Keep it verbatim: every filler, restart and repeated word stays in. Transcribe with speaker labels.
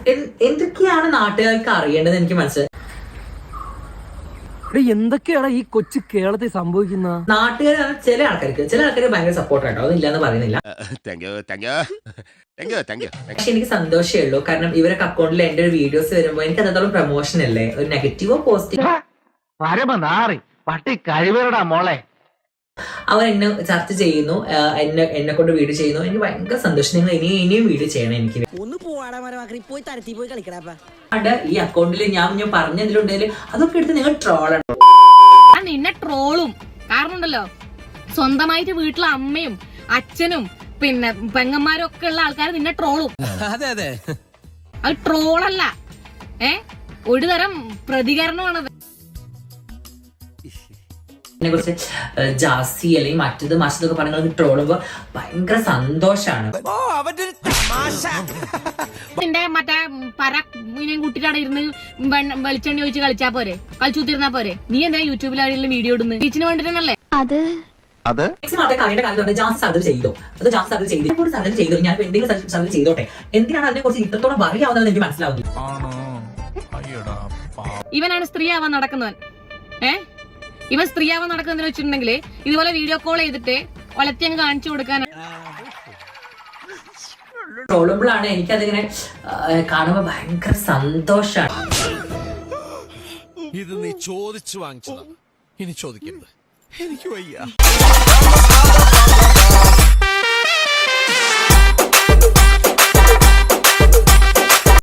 Speaker 1: എന്തൊക്കെയാണ് നാട്ടുകാർക്ക് അറിയേണ്ടത് എനിക്ക് മനസ്സിലായി.
Speaker 2: എന്തൊക്കെയാണ് ഈ കൊച്ചു കേരളത്തിൽ സംഭവിക്കുന്ന?
Speaker 1: നാട്ടുകാർ ചില ആൾക്കാർക്ക് ചില ആൾക്കാർക്ക് ഭയങ്കര സപ്പോർട്ട് ആട്ടോ, അതില്ലാന്ന് പറയുന്നില്ല. പക്ഷെ എനിക്ക് സന്തോഷമേ ഉള്ളൂ, കാരണം ഇവരൊക്കെ അക്കൗണ്ടിൽ എന്റെ ഒരു വീഡിയോസ് വരുമ്പോ എനിക്ക് അത്രത്തോളം പ്രൊമോഷൻ അല്ലേ, ഒരു നെഗറ്റീവോ പോസിറ്റീവോ
Speaker 2: പട്ടി കഴിവരടാ മോളെ.
Speaker 1: അവർ എന്നെ ചർച്ച ചെയ്യുന്നു, എന്നെ എന്നെ കൊണ്ട് വീഡിയോ ചെയ്യുന്നു. എനിക്ക് ഭയങ്കര സന്തോഷം. നിങ്ങൾ ഇനി ഇനിയും വീഡിയോ ചെയ്യണം. എനിക്ക് ഈ അക്കൗണ്ടിൽ ഞാൻ ഞാൻ പറഞ്ഞതിലുണ്ടെങ്കിൽ അതൊക്കെ എടുത്ത് നിങ്ങൾ ട്രോളാണ്.
Speaker 3: നിന്നെ ട്രോളും കാരണം ഉണ്ടല്ലോ, സ്വന്തമായിട്ട് വീട്ടിലെ അമ്മയും അച്ഛനും പിന്നെ പെങ്ങന്മാരും ഒക്കെ ഉള്ള ആൾക്കാർ നിന്നെ ട്രോളും. അത് ട്രോളല്ല, ഏ ഒരു തരം പ്രതികരണമാണത്.
Speaker 1: ഇതിനെ കുറിച്ച് ജാസി അല്ലെങ്കിൽ മറ്റത് മറ്റതൊക്കെ പറഞ്ഞ ട്രോളുമ്പോ ഭയങ്കര സന്തോഷാണ്.
Speaker 3: നിന്റെ മറ്റേ പര മീനെയും കൂട്ടിട്ടാണ് ഇരുന്ന് വെളിച്ചെണ്ണി ഒഴിച്ച് കളിച്ചാ പോരെ, കളിച്ചുത്തിരുന്നാ പോരെ. നീ എന്താ യൂട്യൂബിലാണെങ്കിലും വീഡിയോ ഇടുന്നത് ടീച്ചിന് വേണ്ടിട്ടല്ലേ? അത്
Speaker 1: കവിയുടെ കാലത്ത് ജാസ് സർജറി ചെയ്തോ, അത് ജാസ് സർജറി ചെയ്തു, കൂടി സർജറി ചെയ്തു, ഞാൻ എന്തെങ്കിലും സർജറി ചെയ്തോട്ടെ. എന്തിനാണ് അതിനെ കുറിച്ച് ഇത്രത്തോളം അറിയാവുന്നതെന്ന് എനിക്ക് മനസ്സിലാവുന്നു.
Speaker 3: ഇവനാണ് സ്ത്രീ ആവാൻ നടക്കുന്നവൻ. ഏ ഇവൻ സ്ത്രീയാവാൻ നടക്കുന്നതെന്ന് വെച്ചിട്ടുണ്ടെങ്കിൽ ഇതുപോലെ വീഡിയോ കോൾ ചെയ്തിട്ട് ഒലത്തി അങ്ങ് കാണിച്ചു കൊടുക്കാൻ.
Speaker 1: ട്രോളുമ്പോഴാണ് എനിക്കതിങ്ങനെ കാണുമ്പോ ഭയങ്കര സന്തോഷാണ്.
Speaker 4: ഇത് നീ ചോദിച്ചു വാങ്ങിച്ചതാണ്, ഇനി ചോദിക്കരുത്, എനിക്ക് വയ്യ.